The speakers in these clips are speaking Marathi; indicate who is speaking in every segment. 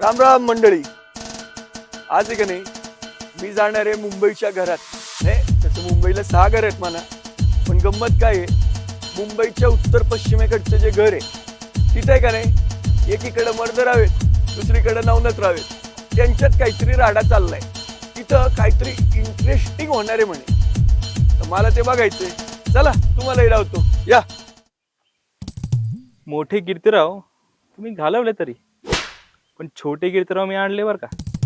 Speaker 1: राम राम मंडळी. आज आहे का नाही मी जाणार आहे मुंबईच्या घरात. नाही तसं मुंबईला 6 घर आहेत म्हणा, पण गंमत काय आहे, मुंबईच्या उत्तर पश्चिमेकडचं जे घर आहे तिथे आहे का नाही, एकीकडे मर्दर हवेत, दुसरीकडे नवनत रावेत, त्यांच्यात काहीतरी राडा चाललाय. तिथं काहीतरी इंटरेस्टिंग होणार आहे म्हणे, तर मला ते बघायचंय. चला तुम्हालाही लावतो, या.
Speaker 2: मोठे कीर्तिराव तुम्ही घालवले तरी, पण छोटे कीर्तिराव मी आणले बर का.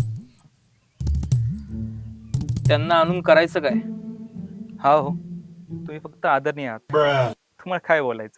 Speaker 2: त्यांना आणून करायचं काय? हा हो, तुम्ही फक्त आदरणीय आहात, तुम्हाला काय बोलायचं.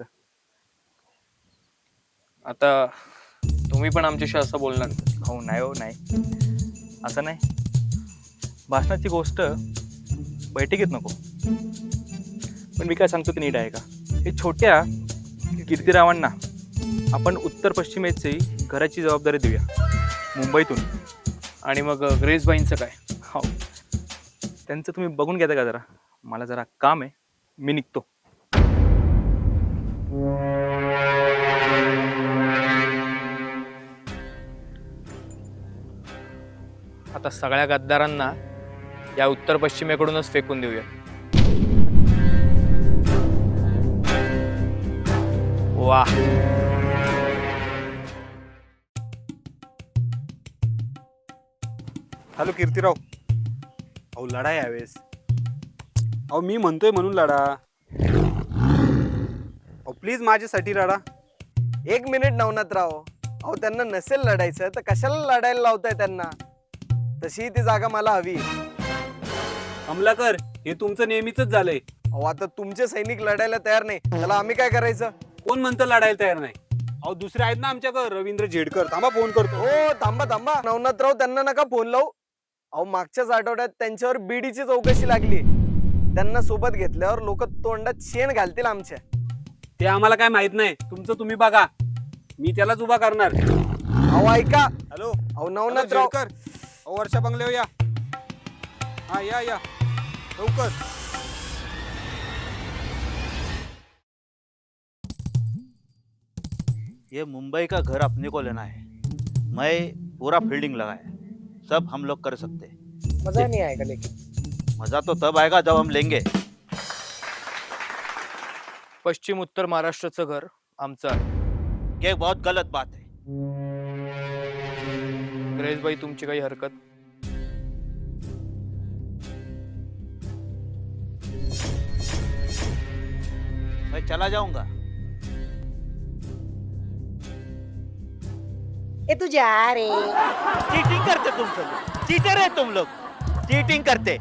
Speaker 3: आता तुम्ही पण आमच्याशी असं बोलणार?
Speaker 2: हो नाही, हो नाही, असं नाही. भाषणाची गोष्ट बैठकीत नको. पण मी काय सांगतो ते नीट आहे का? हे छोट्या कीर्तिरावांना आपण उत्तर पश्चिमेची घराची जबाबदारी देऊया मुंबईतून.
Speaker 3: आणि मग ग्रेसबाईंचं काय?
Speaker 2: हो, त्यांचं तुम्ही बघून घेता का जरा? मला जरा काम आहे, मी निघतो.
Speaker 3: आता सगळ्या गद्दारांना या उत्तर पश्चिमेकडूनच फेकून देऊया. वाह,
Speaker 4: हॅलो कीर्तिराव. अहो लढा यावेळेस. अहो मी म्हणतोय म्हणून लढा. अहो प्लीज माझ्यासाठी लढा.
Speaker 1: 1 मिनिट नवनाथराव, अहो त्यांना नसेल लढायचं तर कशाला लढायला लावताय त्यांना? तशी ती जागा मला हवी.
Speaker 4: कमलाकर, हे तुमचं नेहमीच झालंय.
Speaker 1: अहो आता तुमचे सैनिक लढायला तयार नाही, त्याला आम्ही काय करायचं?
Speaker 4: कोण म्हणतं लढायला तयार नाही? अहो दुसरे आहेत ना आमच्याकडे, रवींद्र झेडकर. थांबा फोन करतो.
Speaker 1: हो थांबा थांबा नवनाथराव, त्यांना नका फोन लावू. अहो मागच्याच आठवड्यात त्यांच्यावर बीडीची चौकशी लागली. त्यांना सोबत घेतल्यावर लोक तोंडात शेण घालतील आमच्या.
Speaker 4: ते आम्हाला काय माहित नाही, तुमचं तुम्ही बघा. मी त्यालाच उभा करणार.
Speaker 1: अहो ऐका.
Speaker 4: हॅलो
Speaker 1: अहो नवनाथराव,
Speaker 4: झेडकर. अहो वर्षा बंगले या. हा या या लवकर.
Speaker 5: ये मुंबई का घर अपने को लेना है. मैं पूरा फील्डिंग लगाया, सब हम लोग कर सकते हैं.
Speaker 1: मजा नहीं आएगा लेकिन.
Speaker 5: मजा तो तब आएगा जब हम लेंगे.
Speaker 3: पश्चिम उत्तर महाराष्ट्राचं घर आमचं आहे.
Speaker 5: ये बहुत गलत बात है.
Speaker 3: ग्रेसबाई तुमची काही हरकत?
Speaker 5: मैं चला जाऊंगा.
Speaker 6: ए तू जा रे.
Speaker 5: चीटिंग करते तुम सब, चीटर है तुम लोग, चीटिंग करते.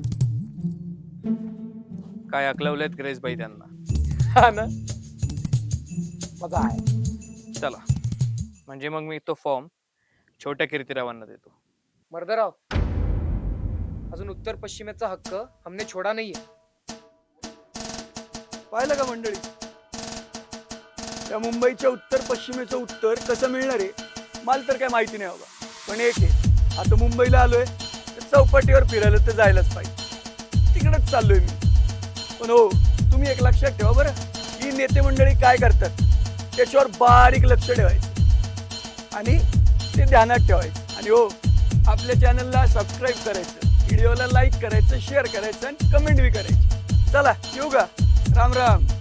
Speaker 3: काय अकलवलेत ग्रेसबाई त्यांना?
Speaker 1: हा ना, मजा आहे.
Speaker 3: चला, म्हणजे मग मी तो फॉर्म छोट्या कीर्तिरावांना देतो.
Speaker 7: मर्दराव, अजून उत्तर पश्चिमेचा हक्क हमने छोडा नाहीये.
Speaker 1: पाहिलं का मंडळी, त्या मुंबईच्या उत्तर पश्चिमेचं उत्तर कसं मिळणार आहे मला तर काय माहिती नाही बाबा. पण एक आहे, आता मुंबईला आलोय तर चौपाटीवर फिरायला तर जायलाच पाहिजे. तिकडेच चाललोय मी. पण हो, तुम्ही एक लक्षात ठेवा बरं, ही नेते मंडळी काय करतात त्याच्यावर बारीक लक्ष ठेवायचं आणि ते ध्यानात ठेवायचं. आणि हो, आपल्या चॅनलला सबस्क्राईब करायचं, व्हिडिओला लाईक करायचं, शेअर करायचं आणि कमेंट बी करायची. चला येऊ का? राम राम.